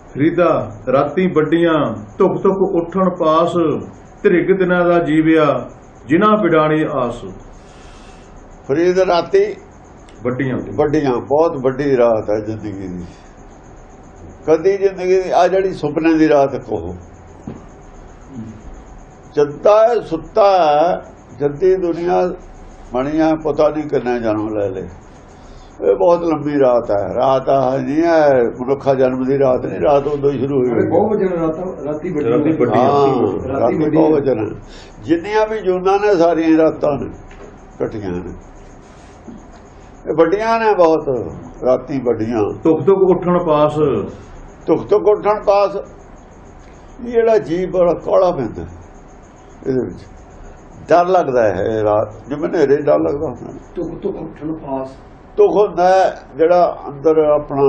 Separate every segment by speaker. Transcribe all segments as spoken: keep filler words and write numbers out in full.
Speaker 1: ਫਰੀਦਾ ਰਾਤੀ ਵੱਡੀਆਂ ਧੁਕ ਧੁਕ ਉੱਠਣ ਪਾਸ ਧਿਰਗ ਦਿਨਾਂ ਦਾ ਜੀਵਿਆ ਜਿਨ੍ਹਾਂ ਬਿਡਾਣੀ ਆਸ।
Speaker 2: ਫਰੀਦ ਰਾਤੀ
Speaker 1: ਵੱਡੀਆਂ
Speaker 2: ਵੱਡੀਆਂ ਬਹੁਤ ਵੱਡੀ ਰਾਤ ਹੈ ਜ਼ਿੰਦਗੀ ਦੀ। ਕਦੀ ਜ਼ਿੰਦਗੀ ਦੀ ਆ ਜਿਹੜੀ ਸੁਪਨੇ ਦੀ ਰਾਤ ਕਹੋ, ਜੱਦਾ ਸੁੱਤਾ ਜੱਦੀ ਦੁਨੀਆ ਬਣੀਆਂ ਪਤਾ ਨਹੀਂ ਕਿੰਨਾ ਜਨਮ ਲੈ ਲੇ। ਇਹ ਬਹੁਤ ਲੰਬੀ ਰਾਤ ਹੈ। ਰਾਤ ਨਹੀਂ ਹੈ ਮਨੁੱਖਾ ਜਨਮ ਦੀ ਰਾਤ ਨਹੀਂ, ਰਾਤ ਉਦੋਂ ਸ਼ੁਰੂ ਹੋਈ।
Speaker 3: ਬਹੁਤ ਵਜਨ ਰਾਤੀ
Speaker 1: ਰਾਤੀ
Speaker 2: ਬਹੁਤ ਵਜਨ। ਜਿੰਨੀਆਂ ਵੀ ਜੂਨਾਂ ਨੇ ਸਾਰੀਆਂ ਰਾਤਾਂ ਨੇ ਇਕੱਠੀਆਂ ਨੇ, ਇਹ ਵੱਡੀਆਂ ਨੇ ਬਹੁਤ। ਰਾਤੀ ਵੱਡੀਆਂ
Speaker 1: ਧੁਕ ਧੁਕ ਉੱਠਣ ਪਾਸ,
Speaker 2: ਧੁਕ ਧੁਕ ਉੱਠਣ ਪਾਸ। ਇਹ ਜਿਹੜਾ ਜੀਵ ਬੜਾ ਕਾਲਾ ਪੈਂਦਾ ਇਹਦੇ ਵਿੱਚ, ਡਰ ਲੱਗਦਾ ਹੈ ਰਾਤ ਜਿਵੇਂ ਹਨੇਰੇ ਡਰ ਲੱਗਦਾ ਹੁੰਦਾ।
Speaker 3: ਧੁਕ ਧੁਕ ਉੱਠਣ ਪਾਸ
Speaker 2: ਧੁਕ ਹੁੰਦਾ ਜਿਹੜਾ ਅੰਦਰ ਆਪਣਾ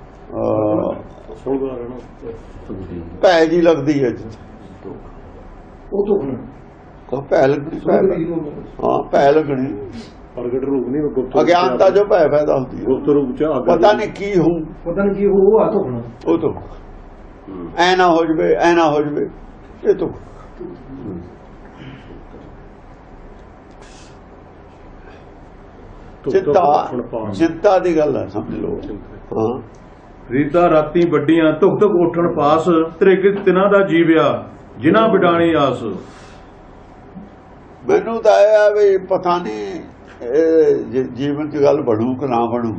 Speaker 2: ਭੈ ਜੀ ਲੱਗਦੀ ਹੈ ਜਿੱਥੇ
Speaker 3: ਉਹ ਧੁਕ
Speaker 2: ਭੈ ਲੱਗਣੀ। ਹਾਂ ਭੈ ਲੱਗਣੀ
Speaker 4: ਪ੍ਰਗਟ ਰੂਪ ਨਹੀਂ, ਗੁਪਤ
Speaker 2: ਅਗਿਆਨਤਾ ਜੋ ਭੈ ਪੈਦਾ ਹੁੰਦੀ ਹੈ।
Speaker 4: ਗੁਪਤ ਰੂਪ ਚ
Speaker 2: ਪਤਾ ਨਹੀਂ ਕੀ ਹੋਊ,
Speaker 3: ਪਤਾ ਨਹੀਂ ਕੀ ਹੋਊ। ਆ ਧੁਕਣਾ
Speaker 2: ਉਹ ਧੁਕ ਐ ਨਾ ਹੋ ਜਵੇ, ਐ ਨਾ ਹੋ ਜਵੇ, ਇਹ ਧੁਕ। ਚਿੰਤਾ ਚਿੰਤਾ ਦੀ ਗੱਲ ਹੈ, ਸਮਝ ਲਓ। ਹਾਂ
Speaker 1: ਫਰੀਦਾ ਰਾਤੀ ਵੱਡੀਆਂ ਧੁਕ ਧੁਕ ਉੱਠਣ ਪਾਸ ਧਿਰਗ ਦਿਨਾਂ ਦਾ ਜੀਵਿਆ ਜਿਨ੍ਹਾਂ ਬਿਡਾਣੀ ਆਸ।
Speaker 2: ਮੈਨੂੰ ਤਾਂ ਆਇਆ ਵੀ ਪਤਾ ਨਹੀਂ ਜੀਵਨ ਦੀ ਗੱਲ ਬਣੂ ਕਿ ਨਾ ਬਣੂ।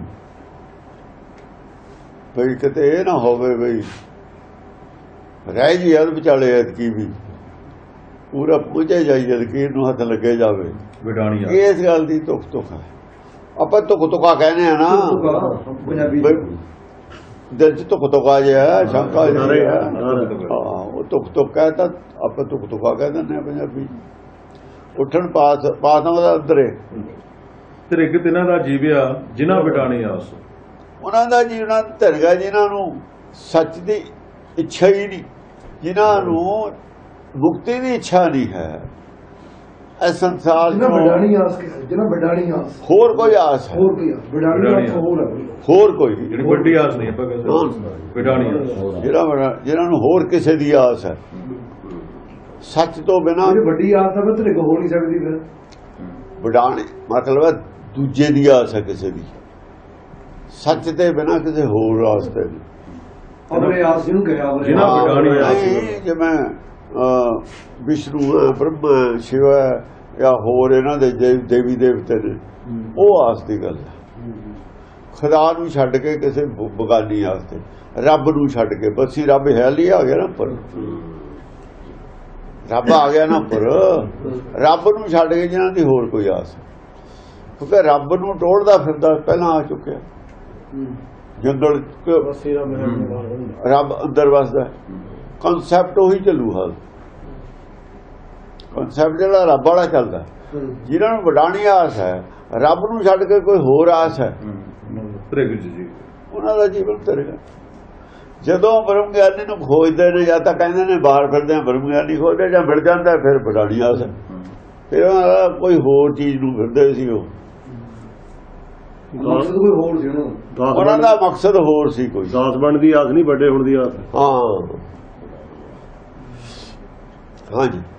Speaker 2: ਬਈ ਕਿਤੇ ਇਹ ਨਾ ਹੋਵੇ ਬਈ ਰਹਿ ਜੀ ਯਾਦ ਵਿਚਾਲੇ ਐਤਕੀ ਵੀ ਪੂਰਾ ਪੁੱਜੇ ਜਾਈ ਜਦਕੀਰ ਨੂੰ ਹੱਥ ਲੱਗੇ ਜਾਵੇ
Speaker 1: ਬਿਡਾਣੀ ਆਸ।
Speaker 2: ਇਸ ਗੱਲ ਦੀ ਧੁਕ ਧੁਕ ਹੈ। ਆਪਾਂ ਧੁਕ ਧੁਕਾ ਕਹਿੰਦੇ ਆ ਨਾ
Speaker 3: ਪੰਜਾਬੀ
Speaker 2: ਦਿਲ ਚ ਧੁਕ ਧੁਕਾ ਜਿਹਾ ਸ਼ੰਕਾ ਜਿਹੀ ਹੈ। ਹਾਂ ਉਹ ਧੁਕ ਧੁਕ ਹੈ ਤਾਂ ਆਪਾਂ ਧੁਕ ਧੁਕਾ ਕਹਿ ਦਿੰਦੇ ਆ ਪੰਜਾਬੀ। ਉੱਠਣ ਪਾਸ ਪਾਸਾਂ ਦਾ ਅੰਦਰੇ
Speaker 1: ਧਿਰਗ ਦਿਨਾਂ ਦਾ ਜੀਵਿਆ ਜਿਨ੍ਹਾਂ ਬਿਡਾਣੀ ਆਸ।
Speaker 2: ਉਹਨਾਂ ਦਾ ਜੀਵਨ ਧਿਰਗਾ ਜਿਨ੍ਹਾਂ ਨੂੰ ਸੱਚ ਦੀ ਇੱਛਾ ਹੀ ਨਹੀਂ, ਜਿਨ੍ਹਾਂ ਨੂੰ ਮੁਕਤੀ ਦੀ ਇੱਛਾ ਨਹੀਂ ਹੈ। ਇਸ ਸੰਸਾਰ
Speaker 3: ਜਿਹਨਾਂ ਬਿਡਾਣੀ ਆਸ, ਜਿਹਨਾਂ ਬਿਡਾਣੀ ਆਸ,
Speaker 2: ਹੋਰ ਕੋਈ ਆਸ ਹੈ?
Speaker 3: ਹੋਰ ਕੋਈ ਬਿਡਾਣੀ ਆਸ ਹੋਰ ਹੈ,
Speaker 2: ਹੋਰ ਕੋਈ
Speaker 1: ਜਿਹੜੀ ਵੱਡੀ ਆਸ ਨਹੀਂ ਆਪਾਂ ਕਹਿੰਦੇ ਬਿਡਾਣੀ ਆਸ।
Speaker 2: ਜਿਹੜਾ ਜਿਹਨਾਂ ਨੂੰ ਹੋਰ ਕਿਸੇ ਦੀ ਆਸ ਹੈ ਸੱਚ ਤੋਂ ਬਿਨਾਂ।
Speaker 3: ਵੱਡੀ ਆਸ ਹੈ ਤੇ ਹੋ ਨਹੀਂ ਸਕਦੀ। ਫਿਰ
Speaker 2: ਬਿਡਾਣੇ ਮਤਲਬ ਹੈ ਦੂਜੇ ਦੀ ਆਸ ਹੈ ਕਿਸੇ ਦੀ, ਸੱਚ ਦੇ ਬਿਨਾਂ ਕਿਸੇ ਹੋਰ ਆਸ ਤੇ ਨਹੀਂ।
Speaker 3: ਆਪਣੇ ਆਸ ਜਿਹਨੂੰ ਗਿਆ
Speaker 1: ਜਿਹਨਾਂ ਬਿਡਾਣੀ ਆਸ।
Speaker 2: ਜਿਵੇਂ ਵਿਸ਼ਨੂੰ ਹੈ, ਬ੍ਰਹਮਾ, ਸ਼ਿਵ ਹੈ ਜਾਂ ਹੋਰ ਇਹਨਾਂ ਦੇ ਦੇਵੀ ਦੇਵਤੇ ਨੇ, ਉਹ ਆਸ ਦੀ ਗੱਲ ਹੈ। ਖੁਦਾ ਨੂੰ ਛੱਡ ਕੇ ਕਿਸੇ ਬਗਾਨੀ ਆਸ ਤੇ, ਰੱਬ ਨੂੰ ਛੱਡ ਕੇ। ਬਸੀ ਰੱਬ ਹੈ ਲਈ ਆ ਗਿਆ ਨਾ ਉੱਪਰ, ਰੱਬ ਆ ਗਿਆ ਨਾ ਉੱਪਰ। ਰੱਬ ਨੂੰ ਛੱਡ ਕੇ ਜਿਹਨਾਂ ਦੀ ਹੋਰ ਕੋਈ ਆਸ, ਕਿਉਂਕਿ ਰੱਬ ਨੂੰ ਟੋੜਦਾ ਫਿਰਦਾ ਪਹਿਲਾਂ ਆ ਚੁੱਕਿਆ। ਜੰਗਲ ਰੱਬ ਅੰਦਰ ਵਸਦਾ, ਕਨਸੈਪਟ ਉਹੀ ਚੱਲੂ। ਹਾਲ ਕਨਸੈਪਟ ਜਿਹੜਾ ਰੱਬ ਵਾਲਾ ਚੱਲਦਾ। ਜਿਹਨਾਂ ਨੂੰ ਵਡਾਣੀ ਆਸ ਹੈ, ਰੱਬ ਨੂੰ ਛੱਡ ਕੇ ਕੋਈ ਹੋਰ ਆਸ ਹੈ, ਉਹਨਾਂ ਦਾ ਜੀਵਨ ਧਿਰਗਾ। ਜਦੋਂ ਬ੍ਰਹਮ ਗਿਆਨੀ ਨੂੰ ਖੋਜਦੇ ਨੇ, ਜਾਂ ਤਾਂ ਕਹਿੰਦੇ ਨੇ ਬਾਹਰ ਫਿਰਦੇ ਆ ਬ੍ਰਹਮ ਗਿਆਨੀ ਖੋਜਦੇ, ਜਾਂ ਮਿਲ ਜਾਂਦਾ ਫਿਰ ਵਡਾਣੀ ਆਸ ਹੈ। ਫਿਰ ਉਹਨਾਂ ਕੋਈ ਹੋਰ ਚੀਜ਼ ਨੂੰ ਫਿਰਦੇ ਸੀ। ਉਹ
Speaker 3: ਮਕਸਦ ਕੋਈ ਹੋਰ ਸੀ
Speaker 2: ਉਹਨਾਂ ਦਾ, ਮਕਸਦ ਹੋਰ ਸੀ ਕੋਈ।
Speaker 4: ਦਾਸ ਬਣ ਦੀ ਆਸ ਨਹੀਂ, ਵੱਡੇ ਹੋਣ ਦੀ ਆਸ।
Speaker 2: ਹਾਂ ਹਾਂਜੀ।